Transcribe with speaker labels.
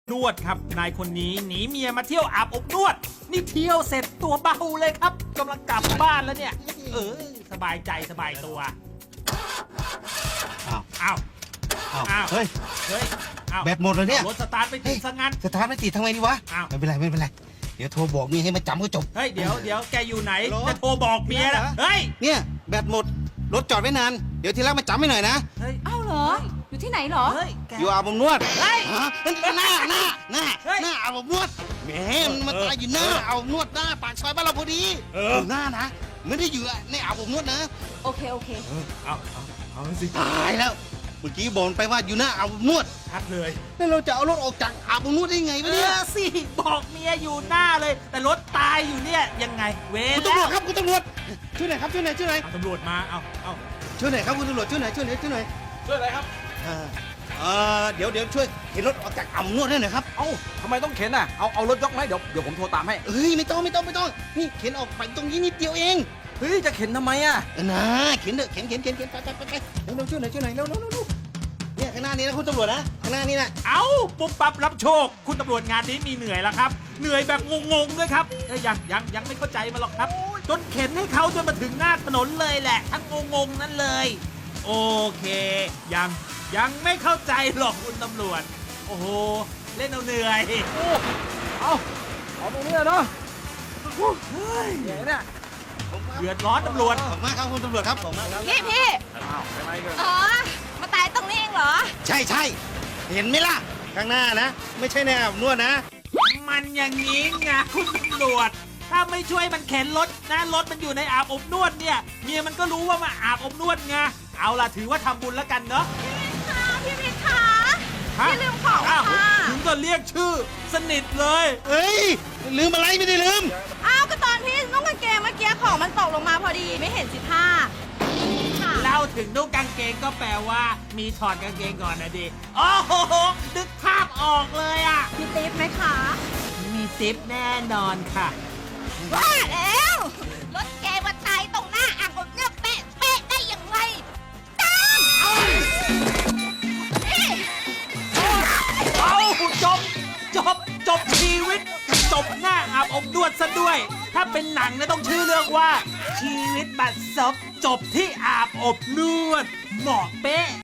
Speaker 1: นวดครับนายคนนี้หนีเมียมาเที่ยวอาบอบนวดนี่เที่ยวเสร็จตัวเบาเลยครับกำลังกลับบ้านแล้วเนี่ยสบายใจสบายตัวอ้าว
Speaker 2: เฮ้ย
Speaker 1: อ้าว
Speaker 2: แบตหมดเลยเนี่ย
Speaker 1: รถสตาร์ทไม่ติดซะงั้น
Speaker 2: สตาร์ทไม่ติดทำไงดีวะ
Speaker 1: อ้าว
Speaker 2: ไม่เป็นไรเดี๋ยวโทรบอกเมียให้มาจำก็จบ
Speaker 1: เฮ้ยเดี๋ยวแกอยู่ไหน
Speaker 2: ฮัลโหล
Speaker 1: จะโทรบอกเมียนะ
Speaker 2: เหรอ
Speaker 1: เฮ้ย
Speaker 2: เนี่ยแบตหมดรถจอดไว้นานเดี๋ยวทีแรกมาจำให้หน่อยนะ
Speaker 1: เฮ้ย
Speaker 3: เอ้าเหรอ อยู่ที่ไหนเหรอ
Speaker 1: เฮ้ยแก
Speaker 2: อยู่อาบอบนวด
Speaker 1: เฮ้ย
Speaker 2: ฮะหน้า
Speaker 1: เฮ้ย
Speaker 2: อาบอบนวดแหมมันมาตายอยู่หน้าอาบอบนวดหน้าปากซอยบ้านเราพอดี
Speaker 1: อยู่
Speaker 2: หน้านะไม่ได้อยู่ในอาบอบนวดนะ
Speaker 3: โอเค
Speaker 1: เอาสิ
Speaker 2: ตายแล้วเมื่อกี้บอกไปว่าอยู่หน้าอาบอบนวด
Speaker 1: ชัดเลย
Speaker 2: แล้วเราจะเอารถออกจากอาบอบนวดได้ไงวะเนี่ย
Speaker 1: สิบอกเมียอยู่หน้าเลย แต่รถตายอยู่เนี่ยยังไงเว
Speaker 2: คุณ
Speaker 1: แล้
Speaker 2: ตำรว
Speaker 1: ว
Speaker 2: จครับคุณตำรวจช่วยหน่อยครับช่วยหน่อย
Speaker 1: เอาตำรวจมาเอา
Speaker 2: ช่วยหน่อยครับคุณตำรวจช่วยหน่อย
Speaker 1: ช่วยอะไรครับ
Speaker 2: เดี๋ยวช่วยเข็นรถออกจากอ่ำนวดให้หน่อยครับ
Speaker 4: เอ้าทำไมต้องเข็นอ่ะ เอารถยกไหมเดี๋ยวผมโทรตามให้
Speaker 2: เฮ้ยไม่ต้องนี่เข็นออกไปตรงนี้นิดเดียวเอง
Speaker 4: เฮ้ย จะเข็นทำไมอ่ะ
Speaker 2: นะเข็นเถอะเข็นไปเร็วช่วยหน่อยเร็วเนี่ยข้างหน้านี้นะคุณตำรวจนะข้างหน้านี้นะ
Speaker 1: เอาปุ๊บปั๊บรับโชค คุณตำรวจงานนี้มีเหนื่อยแล้วครับ เหนื่อยแบบงงๆด้วยครับยังไม่เข้าใจมาหรอกครับจนเข็นให้เขาจนมาถึงหน้าถนนเลยแหละทั้งงงๆนั่นเลย โอเค ยังไม่เข้าใจหรอกคุณตำรวจ โอ้โหเล่นเอาเหนื่อย
Speaker 4: เอาตรงนี้เนาะเนี่ย
Speaker 1: เดือดร้อนตำรวจ
Speaker 2: ขอบมากครับคุณตำรวจครับขอบมากครับ
Speaker 3: พี่
Speaker 4: อ้าวไปไหมกัน
Speaker 3: อ๋อ มาตายตรงนี้เองเหรอ
Speaker 2: ใช่เห็นไหมล่ะข้างหน้านะไม่ใช่ในอาบอบนวดนะ
Speaker 1: มันอย่างนี้ไงคุณตำรวจ ถ้าไม่ช่วยมันเข็นรถนะรถมันอยู่ในอาบอบนวดเนี่ยเมียมันก็รู้ว่ามาอาบอบนวดไงเอาล่ะถือว่าทำบุญแล้วกันเนาะ
Speaker 3: พี่มิตรคะ
Speaker 1: ฮะ
Speaker 3: พี่ลืมของ
Speaker 1: อ้าว
Speaker 3: ค่ะ
Speaker 1: ถึงก็เรียกชื่อสนิทเลย
Speaker 2: เฮ้ยลืมอะไรไม่ได้ลืม
Speaker 3: อ้าวก็ตอนพี่นุ่งกางเกงเมื่อกี้ของมันตกลงมาพอดีไม่เห็นสิท่าค่ะ
Speaker 1: เล่าถึงนุ่งกางเกงก็แปลว่า มีถอดกางเกงก่อนนะดิโอ้โหนึกภาพออกเลยอ่ะ
Speaker 3: มีติ๊บไหมคะ
Speaker 1: มีซิปแน่นอนค่ะ
Speaker 3: ว่าแล้ว รถแกมาตายตรงหน้าอ่างผมเนี่ยเป๊ะได้ยังไงตามนี่
Speaker 1: เอาจบชีวิต จบหน้าอาบอบนวดซะด้วย ถ้าเป็นหนังเนี่ยต้องชื่อเรื่องว่า ชีวิตบัดซบจบที่อาบอบนวดเหมาะเป๊ะ